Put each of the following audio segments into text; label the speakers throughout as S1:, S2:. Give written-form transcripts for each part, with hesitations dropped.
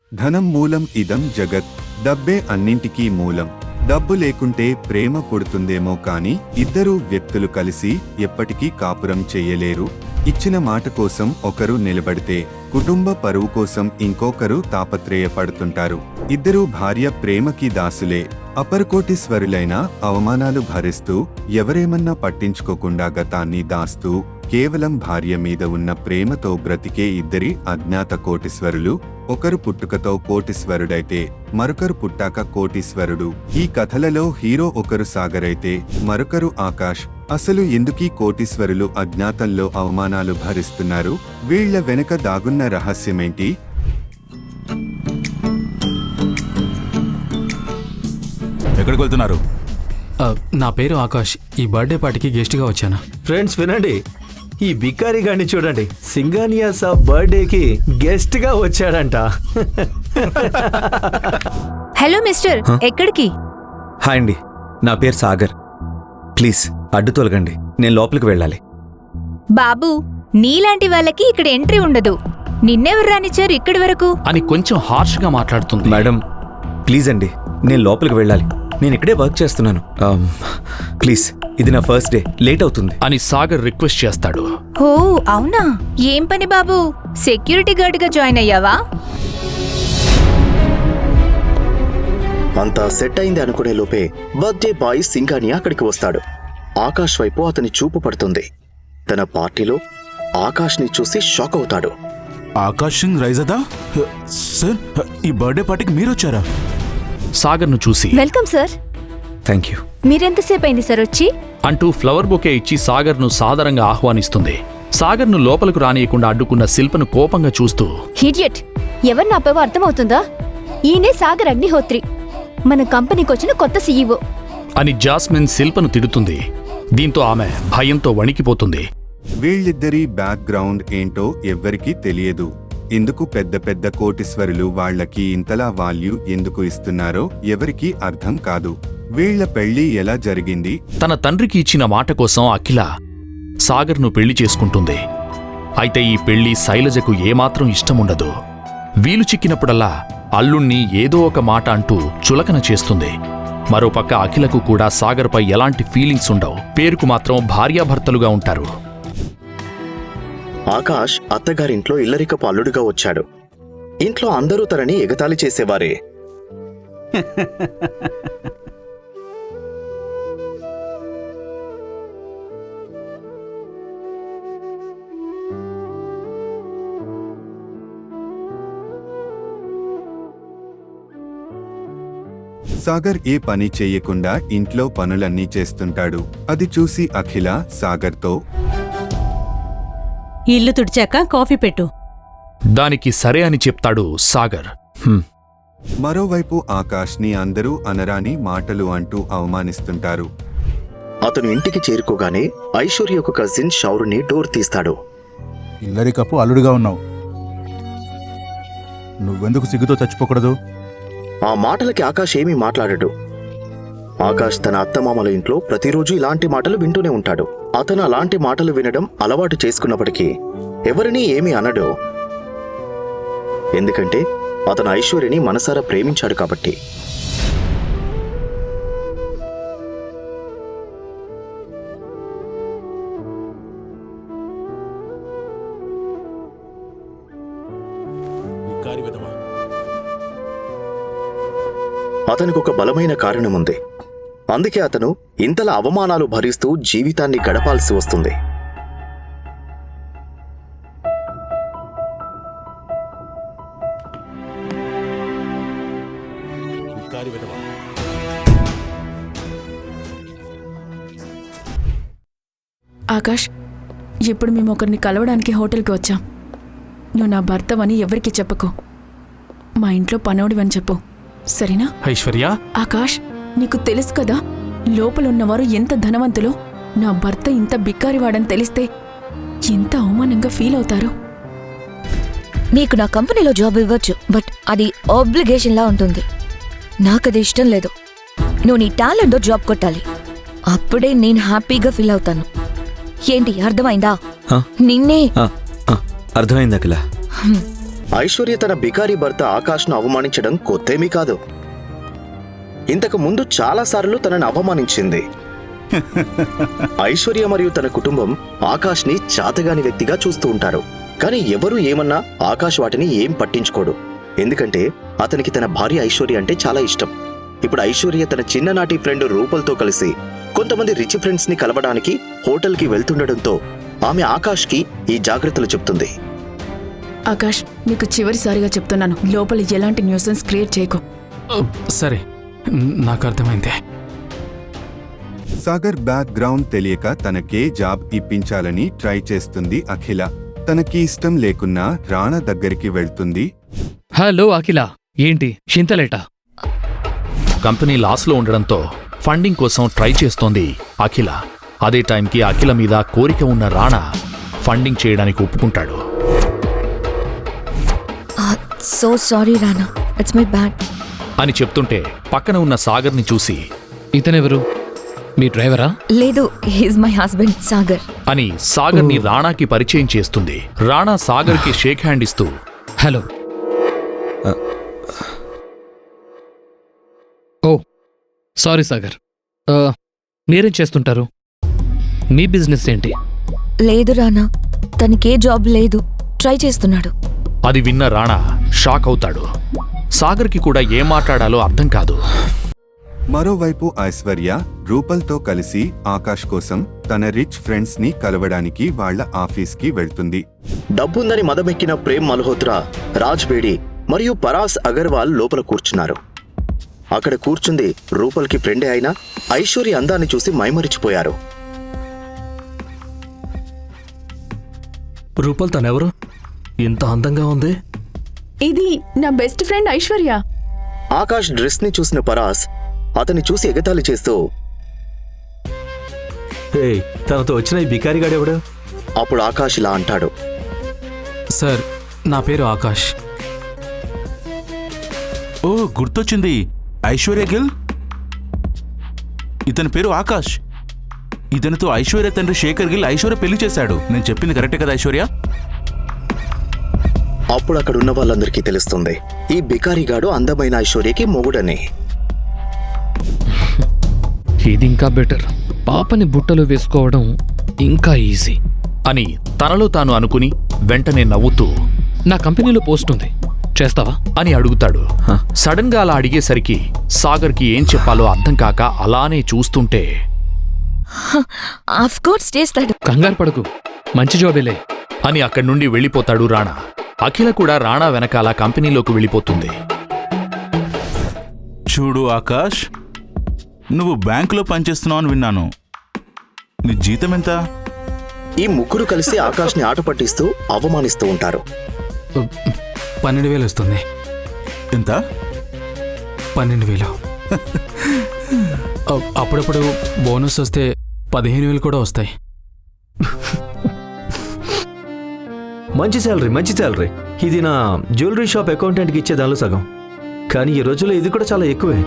S1: ధనం మూలం ఇదం జగత్. డబ్బే అన్నింటికీ మూలం. డబ్బు లేకుంటే ప్రేమ పుడుతుందేమో కాని ఇద్దరు వ్యక్తులు కలిసి ఎప్పటికీ కాపురం చెయ్యలేరు. ఇచ్చిన మాట కోసం ఒకరు నిలబడితే కుటుంబ పరువు కోసం ఇంకొకరు తాపత్రయపడుతుంటారు. ఇద్దరూ భార్య ప్రేమకి దాసులే. అపరకోటీశ్వరులైన అవమానాలు భరిస్తూ ఎవరేమన్నా పట్టించుకోకుండా గతాన్ని దాస్తూ కేవలం భార్య మీద ఉన్న ప్రేమతో బ్రతికే ఇద్దరి అజ్ఞాత కోటీశ్వరులు. ఒకరు పుట్టుకతో కోటీశ్వరుడైతే మరొకరు పుట్టాక కోటీశ్వరుడు. ఈ కథలలో హీరో ఒకరు సాగర్ అయితే మరొకరు ఆకాష్. అసలు ఎందుకీ కోటీశ్వరులు అజ్ఞాతంలో అవమానాలు భరిస్తున్నారు? వీళ్ల వెనక దాగున్న రహస్యమేంటి?
S2: ఎక్కడికి వెళ్తున్నారు?
S3: నా పేరు ఆకాష్. ఈ బర్త్డే పార్టీకి గెస్ట్గా వచ్చాను.
S4: ఫ్రెండ్స్ వినండి, ఈ బికారి గారిని చూడండి. సింగానియా సాబ్ బర్త్డేకి గెస్ట్ గా వచ్చాడంట.
S5: హలో మిస్టర్, ఎక్కడికి?
S6: హాయ్ అండి, నా పేరు సాగర్. ప్లీజ్ అడ్డు తొలగండి, నేను లోపలికి వెళ్ళాలి.
S5: బాబు, నీలాంటి వాళ్ళకి ఇక్కడ ఎంట్రీ ఉండదు. నిన్నెవరు రానిచ్చారు ఇక్కడి వరకు?
S3: అని కొంచెం హార్ష్గా మాట్లాడుతుంది.
S6: మేడం ప్లీజ్ అండి, నేను లోపలికి వెళ్ళాలి. నేను ఇక్కడే వర్క్ చేస్తున్నాను. ప్లీజ్, ఇది నా ఫస్ట్ డే, లేట్ అవుతుంది
S3: అని సాగర్ రిక్వెస్ట్ చేస్తాడు.
S5: ఓ అవునా? ఏం పని బాబు? సెక్యూరిటీ గార్డ్గా జాయిన్ అయ్యావా?
S7: అంతా సెట్ అయింది అనుకునే లోపే బర్త్డే బాయ్ సింగానియా అక్కడికి వస్తాడు. ఆకాష్ వైపు అతని చూపు పడుతుంది. తన పార్టీలో ఆకాష్ ని చూసి షాక్ అవుతాడు.
S2: ఆకాష్ సింగ్ రైజదా? సార్, ఈ బర్త్డే పార్టీకి మీరు వచ్చారా?
S3: సాగర్ను చూసి
S5: వెల్కమ్ సార్.
S6: Thank you.
S5: మీరెంతసేపు అయింది సార్ వచ్చి?
S3: అంటూ ఫ్లవర్ బొకే ఇచ్చి సాగర్ను సాదరంగా ఆహ్వానిస్తుంది. సాగర్ను లోపలకు రానియకుండా అడ్డుకున్న శిల్పను కోపంగా చూస్తూ,
S8: హిడియట్, ఎవరు నాపేవో అర్థమవుతుందా? ఈయనే సాగర్ అగ్నిహోత్రి, మన కంపెనీకి వచ్చిన కొత్త సీఈఓ
S3: అని జాస్మిన్ శిల్పను తిడుతుంది. దీంతో ఆమె భయంతో వణికిపోతుంది.
S1: వీళ్ళిద్దరి బ్యాక్గ్రౌండ్ ఏంటో ఎవ్వరికీ తెలియదు. ఎందుకు పెద్ద పెద్ద కోటీశ్వరులు వాళ్లకి ఇంతలా వాల్యూ ఎందుకు ఇస్తున్నారో ఎవరికీ అర్థం కాదు. వీళ్ల పెళ్లి ఎలా జరిగింది?
S3: తన తండ్రికి ఇచ్చిన మాట కోసం అఖిల సాగర్ను పెళ్లి చేసుకుంటుంది. అయితే ఈ పెళ్లి శైలజకు ఏమాత్రం ఇష్టముండదు. వీలు చిక్కినప్పుడల్లా అల్లుణ్ణి ఏదో ఒక మాట అంటూ చులకన చేస్తుంది. మరోపక్క అఖిలకు కూడా సాగర్పై ఎలాంటి ఫీలింగ్స్ ఉండవు. పేరుకు మాత్రం భార్యాభర్తలుగా ఉంటారు.
S7: ఆకాష్ అత్తగారింట్లో ఇల్లరికపు అల్లుడుగా వచ్చాడు. ఇంట్లో అందరూ తనని ఎగతాళి చేసేవారే.
S1: సాగర్ ఏ పని చెయ్యకుండా ఇంట్లో పనులన్నీ చేస్తుంటాడు. అది చూసి అఖిల సాగర్తో,
S9: ఇల్లు తుడిచాక కాఫీ పెట్టు.
S3: దానికి సరే అని చెప్తాడు సాగర్.
S1: మరోవైపు ఆకాష్ని అందరూ అనరాని మాటలు అంటూ అవమానిస్తుంటారు.
S7: అతను ఇంటికి చేరుకోగానే ఐశ్వర్య ఒక కజిన్ షౌరుని డోర్ తీస్తాడు.
S2: ఇల్లరికప్పు అల్లుడుగా ఉన్నావు, నువ్వెందుకు సిగ్గుతో చచ్చిపోకూడదు?
S7: ఆ మాటలకి ఆకాష్ ఏమీ మాట్లాడడు. ఆకాష్ తన అత్తమామల ఇంట్లో ప్రతిరోజు ఇలాంటి మాటలు వింటూనే ఉంటాడు. అతను అలాంటి మాటలు వినడం అలవాటు చేసుకున్నప్పటికీ ఎవరినీ ఏమీ అనడు. ఎందుకంటే అతను ఐశ్వర్యని మనసారా ప్రేమించాడు కాబట్టి. అతనికి ఒక బలమైన కారణముంది. అందుకే అతను ఇంతలా అవమానాలు భరిస్తూ జీవితాన్ని గడపాల్సి వస్తుంది.
S10: ఆకాష్, ఇప్పుడు మేము ఒకరిని కలవడానికి హోటల్కి వచ్చాం. నువ్వు నా భర్తవని ఎవరికి చెప్పకు. మా ఇంట్లో పనోడివని చెప్పు, సరేనా?
S3: ఐశ్వర్య,
S10: ఆకాష్, నీకు తెలుసు కదా లోపలున్నవారు ఎంత ధనవంతులో. నా భర్త ఇంత బిక్కారివాడని తెలిస్తే ఎంత అవమానంగా ఫీల్ అవుతారు.
S8: నీకు నా కంపెనీలో జాబ్ ఇవ్వచ్చు, బట్ అది ఆబ్లిగేషన్లా ఉంటుంది. నాకది ఇష్టం లేదు. నువ్వు నీ టాలెంట్తో జాబ్ కొట్టాలి, అప్పుడే నేను హ్యాపీగా ఫీల్ అవుతాను. ఏంటి అర్థమైందా? నిన్నే
S6: అర్థమైంది అఖిల.
S7: ఐశ్వర్య తన బికారీ భర్త ఆకాష్ను అవమానించడం కొత్తేమీ కాదు. ఇంతకు ముందు చాలాసార్లు తనను అవమానించింది. ఐశ్వర్య మరియు తన కుటుంబం ఆకాష్ని చాతగాని వ్యక్తిగా చూస్తూ ఉంటారు. కానీ ఎవరూ ఏమన్నా ఆకాష్ వాటిని ఏం పట్టించుకోడు. ఎందుకంటే అతనికి తన భార్య ఐశ్వర్య అంటే చాలా ఇష్టం. ఇప్పుడు ఐశ్వర్య తన చిన్ననాటి ఫ్రెండ్ రూపల్తో కలిసి కొంతమంది రిచ్ ఫ్రెండ్స్ ని కలవడానికి హోటల్కి వెళ్తుండటంతో ఆమె ఆకాష్కి ఈ జాగ్రత్తలు చెప్తుంది.
S10: ఆకాష్, నీకు చివరిసారిగా చెప్తున్నాను, లోపల ఎలాంటి న్యూసెన్స్ క్రియేట్ చేయకు.
S11: సరే, నాకు అర్థమైంది.
S1: సాగర్ బ్యాక్గ్రౌండ్ తెలియక తనకే జాబ్ ఇప్పించాలని ట్రై చేస్తుంది అఖిల. తనకి ఇష్టం లేకున్నా రాణా దగ్గరికి వెళ్తుంది.
S11: హలో అఖిల, ఏంటి చింతలేట?
S3: కంపెనీ లాస్లో ఉండడంతో ఫండింగ్ కోసం ట్రై చేస్తోంది అఖిల. అదే టైంకి అఖిల మీద కోరిక ఉన్న రాణా ఫండింగ్ చేయడానికి ఒప్పుకుంటాడు.
S8: So sorry Rana, it's my bad
S3: అని చెప్తుంటే పక్కన ఉన్న సాగర్ని చూసి,
S11: ఇతనెవరు? మీ డ్రైవరా?
S8: లేదు, హీస్ మై హస్బెండ్ సాగర్
S3: అని సాగర్ని రాణాకి పరిచయం చేస్తుంది. రాణా సాగర్కి షేక్ హ్యాండ్ ఇస్తూ,
S11: హలో. ఓ సారీ సాగర్, మీరేం చేస్తుంటారు? మీ బిజినెస్ ఏంటి?
S8: లేదు రానా, తనకే జాబ్ లేదు, ట్రై చేస్తున్నాడు.
S3: అది విన్న రాణా షాక్ అవుతాడు. సాగర్కి కూడా ఏం మాట్లాడాలో అర్థం కాదు.
S1: మరోవైపు ఐశ్వర్య రూపల్తో కలిసి ఆకాష్ కోసం తన రిచ్ ఫ్రెండ్స్ ని కలవడానికి వాళ్ల ఆఫీస్కి వెళ్తుంది.
S7: డబ్బుందని మదమెక్కిన ప్రేమ్ మల్హోత్రా, రాజ్ బేడి మరియు పరాస్ అగర్వాల్ లోపల కూర్చున్నారు. అక్కడ కూర్చుంది రూపల్కి ఫ్రెండే అయినా ఐశ్వర్య అందాన్ని చూసి మైమరిచిపోయారు.
S11: రూపల్ తనెవరు? ఇంత అందంగా ఉంది.
S10: ఇది నా best friend Aishwarya.
S7: Akash dress ని చూసిన పరాస్ అతన్ని చూసి ఎగతాళి చేస్తూ,
S4: హే, తనతో వచ్చిన ఈ బికారిగాడెవడు?
S7: అప్పుడు ఆకాష్ ఇలా అంటాడు,
S11: సార్, నా పేరు ఆకాష్.
S2: ఓ, గుర్తొచ్చింది, ఐశ్వర్య గిల్. ఇతని పేరు ఆకాష్. ఇతనితో ఐశ్వర్య తండ్రి శేఖర్ గిల్ ఐశ్వర్య పెళ్లి చేశాడు. నేను చెప్పింది కరెక్టే కదా ఐశ్వర్య?
S7: అప్పుడు అక్కడున్న వాళ్ళందరికీ తెలుస్తుంది ఈ బికారిగాడు అందమైన ఐశ్వర్యకి మొగుడని.
S11: ఇది ఇంకా బెటర్. పాపని బుట్టలో వేసుకోవడం ఇంకా ఈజీ
S3: అని తనలో తాను అనుకుని వెంటనే నవ్వుతూ,
S11: నా కంపెనీలో పోస్ట్ ఉంది, చేస్తావా
S3: అని అడుగుతాడు. సడన్ గా అలా అడిగేసరికి సాగర్కి ఏం చెప్పాలో అర్థం కాక అలానే చూస్తుంటే,
S8: ఆఫ్ కోర్స్ చేస్తాడు.
S11: కంగారు పడకు, మంచి జాబేలే
S3: అని అక్కడి నుండి వెళ్ళిపోతాడు రాణా. అఖిల కూడా రాణా వెనకాల కంపెనీలోకి వెళ్ళిపోతుంది.
S2: చూడు ఆకాష్, నువ్వు బ్యాంకులో పనిచేస్తున్నావు అని విన్నాను. నీ జీతం ఎంత?
S7: ఈ ముగ్గురు కలిసి ఆకాష్ని ఆట పట్టిస్తూ అవమానిస్తూ ఉంటారు.
S11: 12,000 వస్తుంది.
S2: ఎంత?
S11: 12,000. అప్పుడప్పుడు బోనస్ వస్తే 15,000 కూడా వస్తాయి.
S4: మంచి శాలరీ. ఇది నా జ్యువెలరీ షాప్ అకౌంటెంట్కి ఇచ్చే దానిలో సగం. కానీ ఈ రోజుల్లో ఇది కూడా చాలా ఎక్కువే.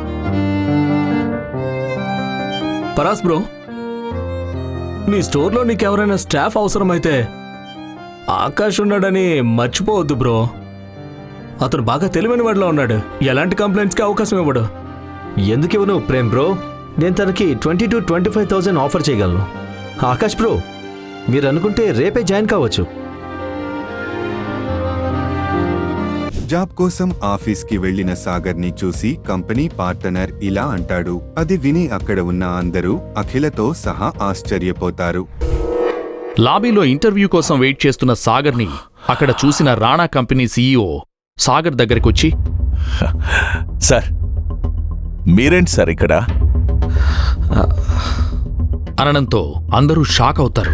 S11: పరాస్ బ్రో, మీ స్టోర్లో నీకెవరైనా స్టాఫ్ అవసరమైతే ఆకాష్ ఉన్నాడని మర్చిపోవద్దు బ్రో. అతను బాగా తెలివైన వాడిలో ఉన్నాడు. ఎలాంటి కంప్లైంట్స్కి అవకాశం ఇవ్వడు.
S4: ఎందుకు ఇవ్వను ప్రేమ్ బ్రో? నేను తనకి 20,000 to 25,000 ఆఫర్ చేయగలను. ఆకాష్ బ్రో, మీరు అనుకుంటే రేపే జాయిన్ కావచ్చు.
S1: జాబ్ కోసం ఆఫీస్కి వెళ్లిన సాగర్ని చూసి కంపెనీ పార్ట్నర్ ఇలా అంటాడు. అది విని అక్కడ ఉన్న అందరూ అఖిలతో సహా ఆశ్చర్యపోతారు.
S3: లాబీలో ఇంటర్వ్యూ కోసం వెయిట్ చేస్తున్న సాగర్ని అక్కడ చూసిన రాణా కంపెనీ సీఈఓ సాగర్ దగ్గరకొచ్చి,
S12: సార్, మీరేంటి సార్ ఇక్కడ?
S3: అనడంతో అందరూ షాక్ అవుతారు.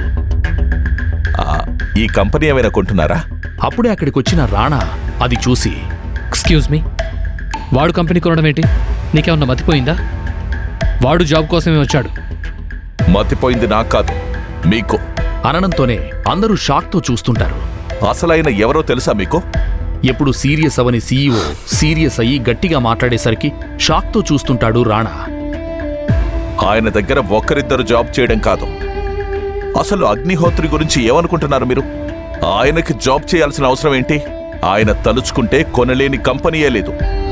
S12: ఈ కంపెనీ ఏమైనా కొంటున్నారా?
S3: అప్పుడే అక్కడికొచ్చిన రాణా అది చూసి,
S11: ఎక్స్క్యూజ్ మీ, వాడు కంపెనీ కొనడం ఏంటి? నీకేమన్నా మతిపోయిందా? వాడు జాబ్ కోసమే వచ్చాడు.
S12: మతిపోయింది నాకు కాదు, మీకు.
S3: అనడంతోనే అందరూ షాక్తో చూస్తుంటారు.
S12: అసలైన ఎవరో తెలుసా మీకు?
S3: ఎప్పుడు సీరియస్ అవని సీఈఓ సీరియస్ అయ్యి గట్టిగా మాట్లాడేసరికి షాక్తో చూస్తుంటాడు రాణా.
S12: ఆయన దగ్గర ఒక్కరిద్దరు జాబ్ చేయడం కాదు, అసలు అగ్నిహోత్రి గురించి ఏమనుకుంటున్నారు మీరు? ఆయనకి జాబ్ చేయాల్సిన అవసరం ఏంటి? ఆయన తలుచుకుంటే కొనలేని కంపెనీయే లేదు.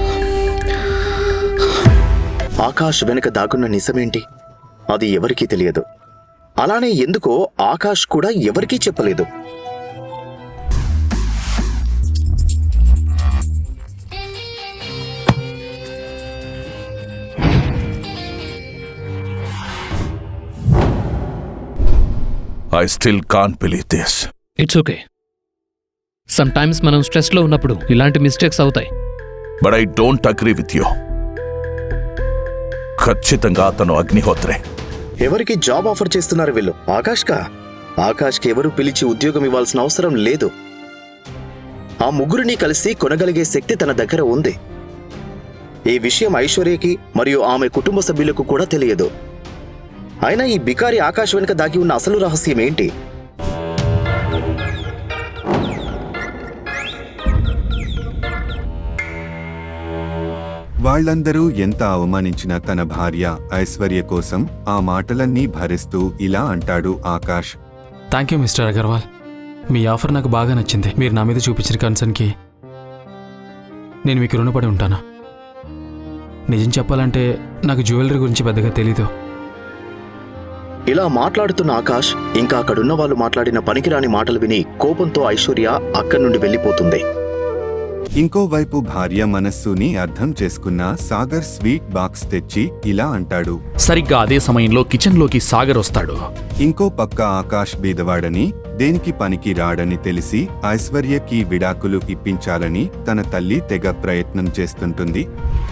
S7: ఆకాష్ వెనుక దాగున్న నిజమేంటి అది ఎవరికీ తెలియదు. అలానే ఎందుకో ఆకాష్ కూడా ఎవరికీ చెప్పలేదు.
S12: I still can't believe this.
S13: It's okay. Sometimes మనం స్ట్రెస్లో ఉన్నప్పుడు ఇలాంటి మిస్టేక్స్ అవుతాయి.
S12: But I don't agree with you. ఖచ్చితంగా అతను అగ్నిహోత్రే.
S7: ఎవరికి జాబ్ ఆఫర్ చేస్తున్నారు వీళ్ళు? ఆకాష్కి ఎవరు పిలిచి ఉద్యోగం ఇవ్వాల్సిన అవసరం లేదు. ఆ ముగ్గురిని కలిసి కొనగలిగే శక్తి తన దగ్గర ఉంది. ఈ విషయం ఐశ్వర్యకి మరియు ఆమె కుటుంబ సభ్యులకు కూడా తెలియదు. అయినా ఈ బికారి ఆకాష్ వెనుక దాగి ఉన్న అసలు రహస్యం ఏంటి?
S1: వాళ్ళందరూ ఎంత అవమానించినా తన భార్య ఐశ్వర్య కోసం ఆ మాటలన్నీ భరిస్తూ ఇలా అంటాడు Akash.
S11: Thank you mister Agarwal. మీ ఆఫర్ నాకు బాగా నచ్చింది. మీరు నా మీద చూపించిన కన్సర్న్కి నేను మీకు రుణపడి ఉంటాను. నిజం చెప్పాలంటే నాకు జ్యువెలరీ గురించి పెద్దగా తెలీదు.
S7: ఇలా మాట్లాడుతున్న ఆకాష్ ఇంకా అక్కడున్న వాళ్ళు మాట్లాడిన పనికిరాని మాటలు విని కోపంతో ఐశ్వర్య అక్కడి నుండి వెళ్ళిపోతుంది.
S1: ఇంకోవైపు భార్య మనస్సుని అర్థం చేసుకున్న సాగర్ స్వీట్ బాక్స్ తెచ్చి ఇలా అంటాడు.
S3: సరిగ్గా అదే సమయంలో కిచెన్లోకి సాగర్ వస్తాడు.
S1: ఇంకో పక్క ఆకాష్ బీదవాడని, దేనికి పనికి రాడని తెలిసి ఐశ్వర్యకి విడాకులు ఇప్పించాలని తన తల్లి తెగ ప్రయత్నం చేస్తుంటుంది.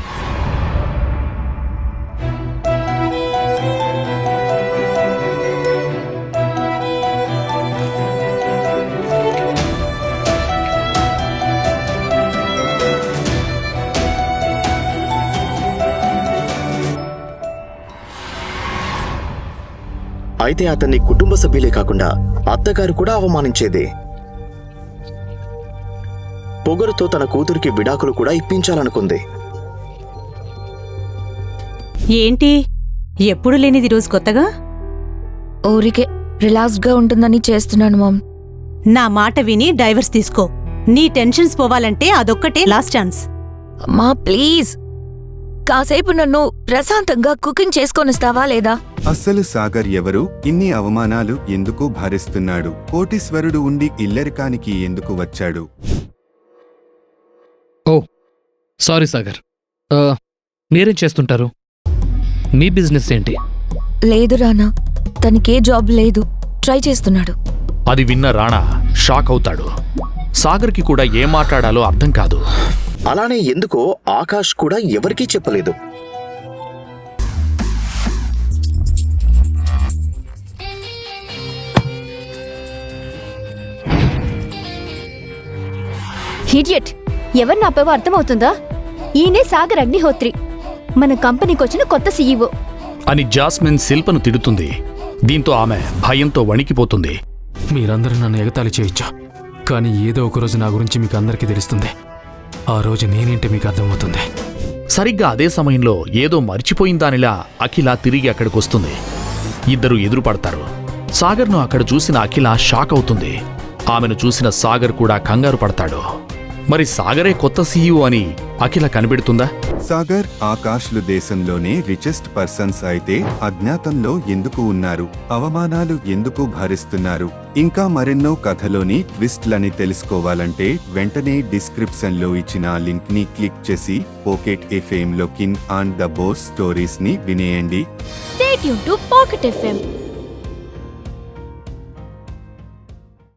S7: అయితే అతన్ని కుటుంబ సభ్యులే కాకుండా అత్తగారు కూడా అవమానించేదే. పొగరుతో తన కూతురికి విడాకులు కూడా ఇప్పించాలనుకుంది.
S9: ఏంటి ఎప్పుడు లేనిది రోజు కొత్తగా?
S8: ఊరికే రిలాక్స్డ్గా ఉంటుందని చేస్తున్నాను మామ్.
S9: నా మాట విని డైవర్స్ తీసుకో. నీ టెన్షన్స్ పోవాలంటే అదొక్కటే లాస్ట్ ఛాన్స్.
S8: మా ప్లీజ్ కాసేపు నన్ను ప్రశాంతంగా కుకింగ్ చేసుకొనిస్తావా లేదా?
S1: అస్సలు సాగర్ ఎవరు? ఇన్ని అవమానాలు ఎందుకు భరిస్తున్నాడు? కోటీశ్వరుడు ఉండి ఇల్లరికానికి ఎందుకు వచ్చాడు?
S13: Oh sorry Sagar. మీరేం చేస్తుంటారు? మీ బిజినెస్ ఏంటి?
S8: లేదు రానా, తనకే జాబ్ లేదు, ట్రై చేస్తున్నాడు.
S3: అది విన్న రాణా షాక్ అవుతాడు. సాగర్కి కూడా ఏం మాట్లాడాలో అర్థం కాదు.
S7: అలానే ఎందుకో ఆకాష్ కూడా ఎవరికీ చెప్పలేదు.
S14: ఇడియట్, ఎవరిని ఆపేవో అర్థమవుతుందా? ఈయనే సాగర్ అగ్నిహోత్రి, మన కంపెనీకి వచ్చిన కొత్త సీఈఓ
S3: అని జాస్మిన్ శిల్పను తిడుతుంది. దీంతో ఆమె భయంతో వణికిపోతుంది.
S11: మీరందరూ నన్ను ఎగతాళి చేయొచ్చు, కానీ ఏదో ఒకరోజు నా గురించి మీకు అందరికీ తెలుస్తుంది. ఆ రోజు నేనేంటి మీకు అర్థమవుతుంది.
S3: సరిగ్గా అదే సమయంలో ఏదో మర్చిపోయిందానిలా అఖిల తిరిగి అక్కడికొస్తుంది. ఇద్దరు ఎదురుపడతారు. సాగర్ను అక్కడ చూసిన అఖిల షాక్ అవుతుంది. ఆమెను చూసిన సాగర్ కూడా కంగారు పడతాడు. మరి సాగరే కొత్త సీఈఓ అని అఖిల కనిపెడుతుందా?
S1: సాగర్, ఆకాష్లు దేశంలోనే రిచెస్ట్ పర్సన్స్ అయితే అజ్ఞాతంలో ఎందుకు ఉన్నారు? అవమానాలు ఎందుకు భరిస్తున్నారు? ఇంకా మరెన్నో కథలోని ట్విస్ట్లని తెలుసుకోవాలంటే వెంటనే డిస్క్రిప్షన్లో ఇచ్చిన లింక్ ని క్లిక్ చేసి పాకెట్ ఎఫ్ఎం లో kin and the boss stories ని వినేయండి.
S14: Stay tuned to Pocket FM.